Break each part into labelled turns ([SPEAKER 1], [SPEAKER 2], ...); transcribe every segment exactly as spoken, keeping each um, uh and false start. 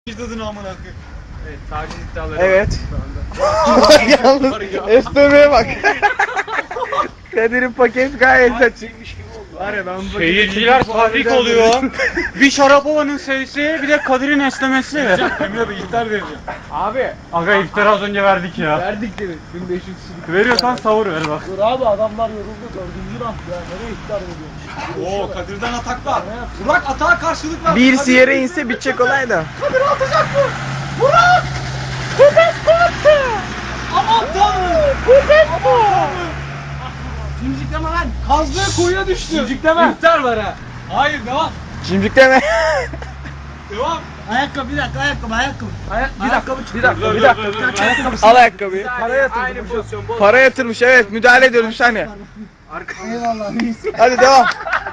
[SPEAKER 1] Tadını amına koyayım.
[SPEAKER 2] Evet, taciz iddiaları
[SPEAKER 3] Evet.
[SPEAKER 2] var
[SPEAKER 3] Yalnız esnemeye bak. Kadir'in paket gayet açık.
[SPEAKER 2] Var ya ben bu
[SPEAKER 1] Seyirciler tahrik oluyor. Bir Şarapova'nın seyisi, bir de Kadir'in esnemesi. Emre Bey iftar vereceğim.
[SPEAKER 2] Abi
[SPEAKER 1] Aga iftar az önce verdik ya.
[SPEAKER 2] verdik dedi. bin beş yüz kişilik.
[SPEAKER 1] Veriyorsan savur ver bak.
[SPEAKER 4] Dur abi adamlar yoruldu dördüncü round ya nereye iftar ediyormuş.
[SPEAKER 1] Oo Kadir'den ataklar. Burak atağa karşılık ver.
[SPEAKER 3] Birisi yere inse bitecek olay da.
[SPEAKER 4] Kadir atacak mı? Burak! Köpek korktu!
[SPEAKER 1] Aman tanrım.
[SPEAKER 4] Köpek bu!
[SPEAKER 2] Cimcikleme lan.
[SPEAKER 1] Kazdığı kuyuya düştü.
[SPEAKER 2] Cimcikleme. İftar var ha.
[SPEAKER 1] Hayır devam.
[SPEAKER 3] Cimcik deme.
[SPEAKER 1] Devam.
[SPEAKER 4] Ayakkabı bir dakika ayakkabı ayakkabı.
[SPEAKER 2] Ayak, bir dakika, bir dakika,
[SPEAKER 1] Dur,
[SPEAKER 2] bir
[SPEAKER 1] dur,
[SPEAKER 2] dakika.
[SPEAKER 1] dur, dur, dur.
[SPEAKER 2] Ayakkabısı.
[SPEAKER 3] Al ayakkabıyı.
[SPEAKER 2] Para yatırdım. Aynı pozisyon. Bol.
[SPEAKER 3] Para yatırmış, evet, müdahale ediyoruz bir saniye.
[SPEAKER 4] Eyvallah reis.
[SPEAKER 3] Hadi devam.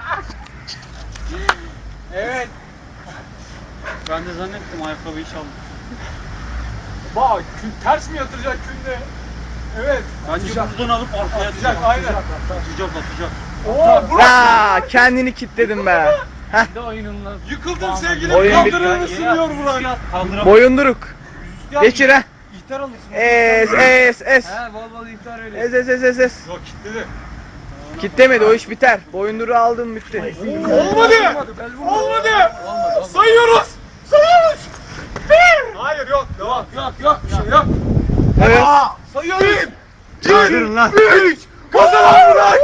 [SPEAKER 1] Evet. Ben de zannettim ayakkabıyı çaldım.
[SPEAKER 2] Bak kün, ters mi yatıracak künde? Evet.
[SPEAKER 1] Bence buradan alıp arkaya
[SPEAKER 2] Atacak,
[SPEAKER 1] atacak.
[SPEAKER 2] aynen.
[SPEAKER 1] Atacak atacak.
[SPEAKER 2] Oo Burak.
[SPEAKER 3] Aa, kendini kitledin be.
[SPEAKER 2] de oyununla.
[SPEAKER 1] Yıkıldım sevgilim.
[SPEAKER 3] Oyun bitti.
[SPEAKER 1] Kaldırır mısın diyor Burak. Kaldıramam.
[SPEAKER 3] Boyunduruk. Geçir ha.
[SPEAKER 1] İhtar alırsın.
[SPEAKER 3] Es es es.
[SPEAKER 2] He bol bol iftar öyle.
[SPEAKER 3] Es es es es es.
[SPEAKER 1] Yok kilitledi.
[SPEAKER 3] Kitlemedi, o iş biter. Boyunduruğu aldın bitti.
[SPEAKER 1] Olmadı. Olmadı. Sayıyoruz. Sayıyoruz. Bir. Hayır yok. Devam.
[SPEAKER 2] Yok yok bir şey yok.
[SPEAKER 3] Evet.
[SPEAKER 1] Sayıyoruz. Bir.
[SPEAKER 3] Kaydırın lan.
[SPEAKER 1] Üç. Kazanan Burak.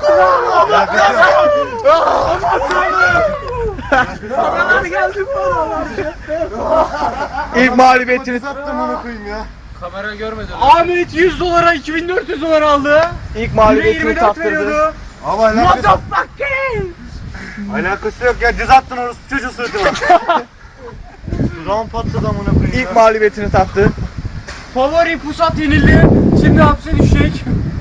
[SPEAKER 1] Aman tanrım.
[SPEAKER 2] Paralar geldi paralar.
[SPEAKER 3] İlk mağlubiyetini
[SPEAKER 2] Kamera görmedi.
[SPEAKER 1] Ahmet yüz dolara iki bin dört yüz dolar aldı.
[SPEAKER 3] ilk mağlubiyetini tattırdı.
[SPEAKER 5] Ama alakası, alakası yok ya, cız attın orası çocuğu sırtıma. Dudağım patladı amına koyayım ya.
[SPEAKER 3] İlk mağlubiyetini tattı.
[SPEAKER 2] Favori Pusat yenildi. Şimdi hapse düşecek.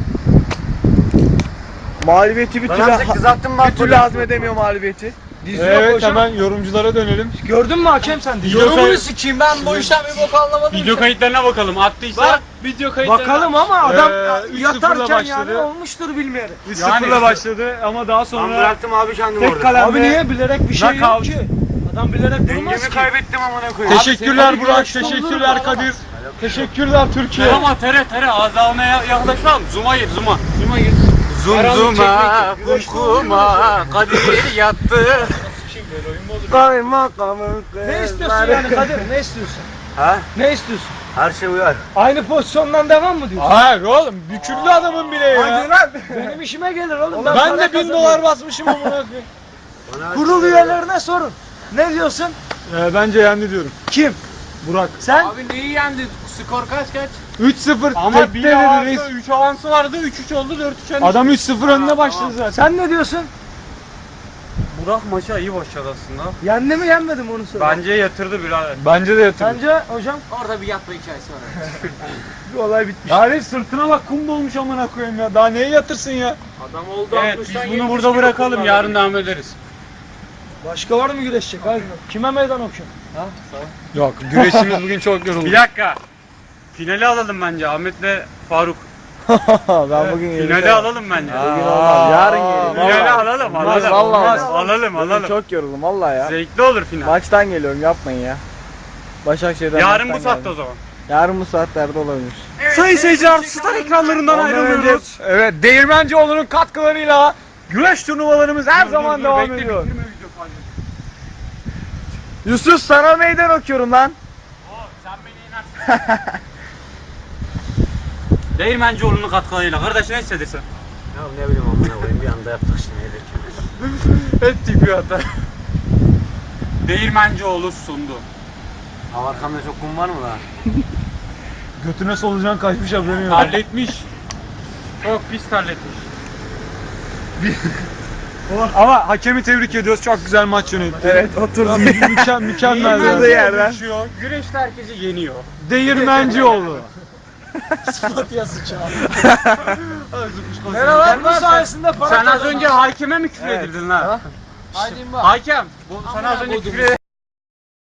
[SPEAKER 3] Mağlubiyeti bir
[SPEAKER 5] Ben
[SPEAKER 3] türlü,
[SPEAKER 5] artık cız attım bak.
[SPEAKER 3] bir türlü hazmedemiyor mağlubiyeti.
[SPEAKER 1] Evet hemen yorumculara dönelim.
[SPEAKER 2] Gördün mü hakem sen de?
[SPEAKER 1] Video
[SPEAKER 2] Yorumunu
[SPEAKER 1] kay-
[SPEAKER 2] sikeyim ben bu işten bir bok anlamadım.
[SPEAKER 1] Video
[SPEAKER 2] ki.
[SPEAKER 1] kayıtlarına bakalım. Attıysa
[SPEAKER 2] Bak,
[SPEAKER 1] video kayıtlarına.
[SPEAKER 2] Bakalım ama adam
[SPEAKER 1] Ee, üç sıfırla
[SPEAKER 2] yatarken yani
[SPEAKER 1] başladı.
[SPEAKER 2] olmuştur bilmeyerek.
[SPEAKER 1] üç sıfırla başladı ama daha
[SPEAKER 5] Ben
[SPEAKER 1] sonra
[SPEAKER 5] bıraktım abi kendimi
[SPEAKER 1] tek
[SPEAKER 5] orada.
[SPEAKER 1] kalemle.
[SPEAKER 2] Abi niye bilerek bir şey yok
[SPEAKER 1] Knockout.
[SPEAKER 2] ki? Adam bilerek durmaz
[SPEAKER 5] Dengemi
[SPEAKER 2] ki.
[SPEAKER 5] kaybettim amına koyayım.
[SPEAKER 1] Teşekkürler
[SPEAKER 2] Abi,
[SPEAKER 1] Burak,
[SPEAKER 2] senin
[SPEAKER 1] teşekkürler
[SPEAKER 2] olur mu?
[SPEAKER 1] Kadir. Teşekkürler Türkiye. Ama tere tere azalmaya yaklaşalım. Zoom'a gir, zoom'a.
[SPEAKER 2] Zuma gir.
[SPEAKER 1] Zoom
[SPEAKER 2] zoom'a,
[SPEAKER 1] kumkuma, Kadir yattı.
[SPEAKER 3] Kaymakamın
[SPEAKER 2] Ne istiyorsun yani Kadir? Ne istiyorsun?
[SPEAKER 5] Ha?
[SPEAKER 2] Ne istiyorsun?
[SPEAKER 5] Her şey uyar.
[SPEAKER 2] Aynı pozisyondan devam mı diyorsun?
[SPEAKER 1] Hayır oğlum, büküldü adamın bile ya.
[SPEAKER 2] Hadi lan. Benim işime gelir oğlum.
[SPEAKER 1] Ben
[SPEAKER 2] para
[SPEAKER 1] de bin
[SPEAKER 2] kazanıyorum.
[SPEAKER 1] dolar basmışım amına koyayım.
[SPEAKER 5] Bana her
[SPEAKER 2] Kurul
[SPEAKER 5] şey uyar.
[SPEAKER 2] üyelerine sorun. Ne diyorsun?
[SPEAKER 1] Ee, bence yendi diyorum.
[SPEAKER 2] Kim?
[SPEAKER 1] Burak.
[SPEAKER 2] Sen?
[SPEAKER 6] Abi neyi yendi? Skor kaç kaç?
[SPEAKER 1] üç sıfır.
[SPEAKER 6] Ama
[SPEAKER 1] Tekte
[SPEAKER 6] bir
[SPEAKER 1] dedi
[SPEAKER 6] avansı,
[SPEAKER 1] reis.
[SPEAKER 6] üç avansı vardı, üç üç oldu, dört üç yendi.
[SPEAKER 1] Adam üç sıfır önüne başladı zaten.
[SPEAKER 2] Sen ne diyorsun?
[SPEAKER 6] Burak maça iyi başladı aslında.
[SPEAKER 2] Yendi mi yenmedi mi onu söyle.
[SPEAKER 6] Bence yatırdı birader.
[SPEAKER 1] Bence de yatırdı.
[SPEAKER 2] Sence hocam?
[SPEAKER 6] Orada bir yatma hikayesi var.
[SPEAKER 2] Bir olay bitmiş.
[SPEAKER 1] Yani sırtına bak kum dolmuş amına koyayım ya. Daha neye yatırsın ya?
[SPEAKER 6] Adam oldu Evet biz altmıştan bunu yetmiş burada kilo bırakalım,
[SPEAKER 1] şey
[SPEAKER 6] yarın yarın devam ederiz.
[SPEAKER 2] Başka var mı güreşecek? Hadi. Kime meydan okuyorsun?
[SPEAKER 1] Yok güreşimiz bugün çok yoruldu.
[SPEAKER 6] Bir dakika. Finali alalım bence Ahmet'le Faruk.
[SPEAKER 3] Ben bugün
[SPEAKER 6] Finali
[SPEAKER 3] geleceğim.
[SPEAKER 6] alalım bence.
[SPEAKER 3] Bugün olmaz. Yarın gelirim.
[SPEAKER 6] Finali
[SPEAKER 3] vallahi.
[SPEAKER 6] alalım,
[SPEAKER 3] Olmaz,
[SPEAKER 6] alalım.
[SPEAKER 3] vallahi
[SPEAKER 6] Olmaz,
[SPEAKER 3] olmaz.
[SPEAKER 6] alalım,
[SPEAKER 3] Bugün
[SPEAKER 6] alalım.
[SPEAKER 3] çok yoruldum vallahi ya.
[SPEAKER 6] Zevkli olur final.
[SPEAKER 3] Maçtan geliyorum, yapmayın ya. Başakşehir'den
[SPEAKER 6] Yarın bu
[SPEAKER 3] maçtan
[SPEAKER 6] saatte o
[SPEAKER 3] geldim.
[SPEAKER 6] zaman.
[SPEAKER 3] Yarın bu saatlerde olabilir.
[SPEAKER 1] Sayın seyirciler star ekranlarından
[SPEAKER 3] Ondan
[SPEAKER 1] ayrılıyoruz. Evet Değirmencioğlu'nun katkılarıyla güreş turnuvalarımız her zaman
[SPEAKER 6] Dur, dur,
[SPEAKER 1] devam
[SPEAKER 6] bekle,
[SPEAKER 1] ediyor.
[SPEAKER 6] bitirme video kaydı.
[SPEAKER 3] Yusuf sana meydan okuyorum lan.
[SPEAKER 6] Oo, sen beni inersin. Değirmencioğlu'nun katkılarıyla. Kardeş ne hissedersin?
[SPEAKER 5] Ya ne bileyim amına koyayım, bir anda yaptık şimdi yedik.
[SPEAKER 1] Ettik bir hata.
[SPEAKER 6] Değirmencioğlu sundu.
[SPEAKER 5] Abi arkamda çok kum var mı lan?
[SPEAKER 1] Götüne solucan kaçmış haberin yok.
[SPEAKER 6] Terletmiş. Çok pis terletmiş.
[SPEAKER 1] Ama hakemi tebrik ediyoruz. Çok güzel maç yönetti.
[SPEAKER 3] Evet, oturdu.
[SPEAKER 1] Mükemmel, mükemmel.
[SPEAKER 3] Oturduğu
[SPEAKER 1] yani.
[SPEAKER 3] yerden.
[SPEAKER 6] Geçiyor. Güreşte herkesi yeniyor.
[SPEAKER 1] Değirmencioğlu.
[SPEAKER 2] Sıfatya sıçağı.
[SPEAKER 6] Merhaba,
[SPEAKER 2] Merhaba bu sayesinde para
[SPEAKER 6] Sen az
[SPEAKER 2] kazandım.
[SPEAKER 6] önce hakeme mi küfür edirdin lan?
[SPEAKER 2] Haydi bak.
[SPEAKER 6] Hakem, bu sana az önce küfür